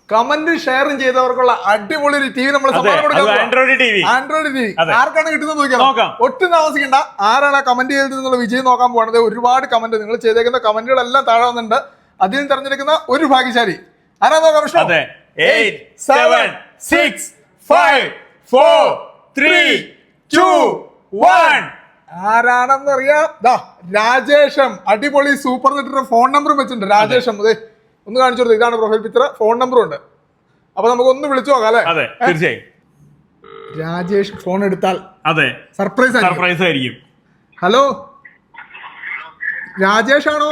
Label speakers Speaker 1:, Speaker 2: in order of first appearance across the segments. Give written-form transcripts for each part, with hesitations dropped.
Speaker 1: Comment ഷെയറും ചെയ്തവർക്കുള്ള അടിപൊളി ഒരു ടിവി നമ്മൾ സമ്മാനം കൊടുക്കാം. ആൻഡ്രോയിഡ് ടിവി ആർക്കാണ് കിട്ടുന്നത് നോക്കാം. ഒട്ടും താമസിക്കണ്ട, ആരാണ് കമന്റ് ചെയ്തിട്ടുള്ള വിജയം നോക്കാൻ പോകുന്നത്. ഒരുപാട് കമന്റ് നിങ്ങൾ ചെയ്തേക്കുന്ന കമന്റുകളെല്ലാം താഴെ വന്നിട്ടുണ്ട്. അതിൽ നിന്ന് തെരഞ്ഞെടുക്കുന്ന ഒരു ഭാഗ്യശാലി ആരാ നോക്കാം. വിഷ്ണു
Speaker 2: 8 7 6 5 4 3 2 1
Speaker 1: ആരാണെന്ന് അറിയാം. രാജേഷം, അടിപൊളി സൂപ്പർ നെറ്റിന്റെ ഫോൺ നമ്പറും വെച്ചിട്ടുണ്ട്. രാജേഷം അതെ ഒന്ന് കാണിച്ചു കൊടുത്തു. ഇതാണ് പ്രൊഫൈൽ പിക്ചർ, ഫോൺ നമ്പറും ഉണ്ട്. അപ്പൊ നമുക്ക് ഒന്ന് വിളിച്ചു നോക്കാം അല്ലെ.
Speaker 2: അതെ തീർച്ചയായും.
Speaker 1: രാജേഷ് ഫോൺ എടുത്താൽ
Speaker 2: അതെ
Speaker 1: സർപ്രൈസ് ആയിരിക്കും. ഹലോ രാജേഷ് ആണോ?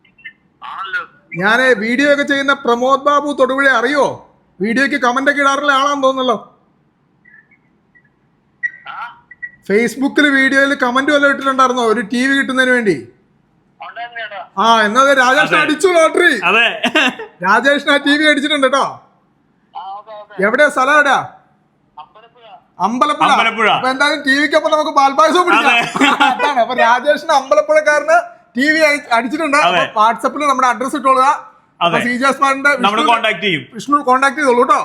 Speaker 1: ഞാന് വീഡിയോ ഒക്കെ ചെയ്യുന്ന പ്രമോദ് ബാബു തൊടുപുഴ അറിയോ? വീഡിയോക്ക് കമന്റ് ഒക്കെ ഇടാറുള്ള ആളാന്ന് തോന്നുന്നല്ലോ. ഫേസ്ബുക്കിൽ വീഡിയോയിൽ കമന്റ് വല്ലതും ഇട്ടിട്ടുണ്ടായിരുന്നോ ഒരു ടി വി കിട്ടുന്നതിന് വേണ്ടി? എന്നാ രാജേഷിനെ അടിച്ചു ലോട്ടറി.
Speaker 2: അതെ
Speaker 1: രാജേഷിന് ആ ടി വി അടിച്ചിട്ടുണ്ട് കേട്ടോ. എവിടെയാ സ്ഥലം? എവിടെയാ? അമ്പലപ്പുഴ. അപ്പൊ എന്തായാലും ടി വിക്കൊപ്പം നമുക്ക് പാൽപ്പായസം പിടിക്കാം. അതാണ്. അപ്പൊ രാജേഷിന് അമ്പലപ്പുഴക്കാരന് ടി വി അടിച്ചിട്ടുണ്ട്. വാട്സപ്പിൽ നമ്മുടെ അഡ്രസ് ഇട്ടോളുക. വിഷ്ണു കോണ്ടാക്ട് ചെയ്തോളൂ കേട്ടോ.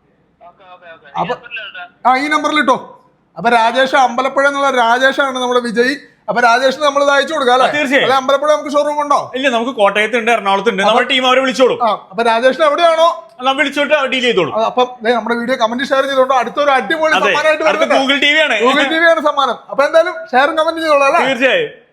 Speaker 1: അപ്പൊ ഈ നമ്പറിൽ ഇട്ടോ. അപ്പൊ രാജേഷ് അമ്പലപ്പുഴ എന്നുള്ള രാജേഷാണ് നമ്മുടെ വിജയ്. അപ്പൊ രാജേഷിന് നമ്മൾ ഇത് അയച്ചു കൊടുക്കാം അല്ലെ?
Speaker 2: തീർച്ചയായും.
Speaker 1: അമ്പലപ്പുഴ നമുക്ക് ഷോറൂം ഉണ്ടോ?
Speaker 2: ഇല്ല, നമുക്ക് കോട്ടയത്ത് ഉണ്ട്, എറണാകുളത്ത് ഉണ്ട്. നമ്മുടെ ടീം അവരെ വിളിച്ചോളൂ.
Speaker 1: അപ്പൊ രാജേഷിന് എവിടെയാണോ
Speaker 2: വിളിച്ചോട്ട് ഡീൽ ചെയ്തോളൂ.
Speaker 1: അപ്പൊ നമ്മുടെ വീഡിയോ കമന്റ് ഷെയർ ചെയ്തോണ്ടോ. അടുത്തൊരു അടിപൊളി സമ്മാനമായിട്ട്
Speaker 2: ഗൂഗിൾ ടി വി ആണ്
Speaker 1: സമ്മാനം. അപ്പൊ എന്തായാലും ഷെയറും കമന്റ് ചെയ്തോളൂ അല്ലേ?
Speaker 2: തീർച്ചയായും.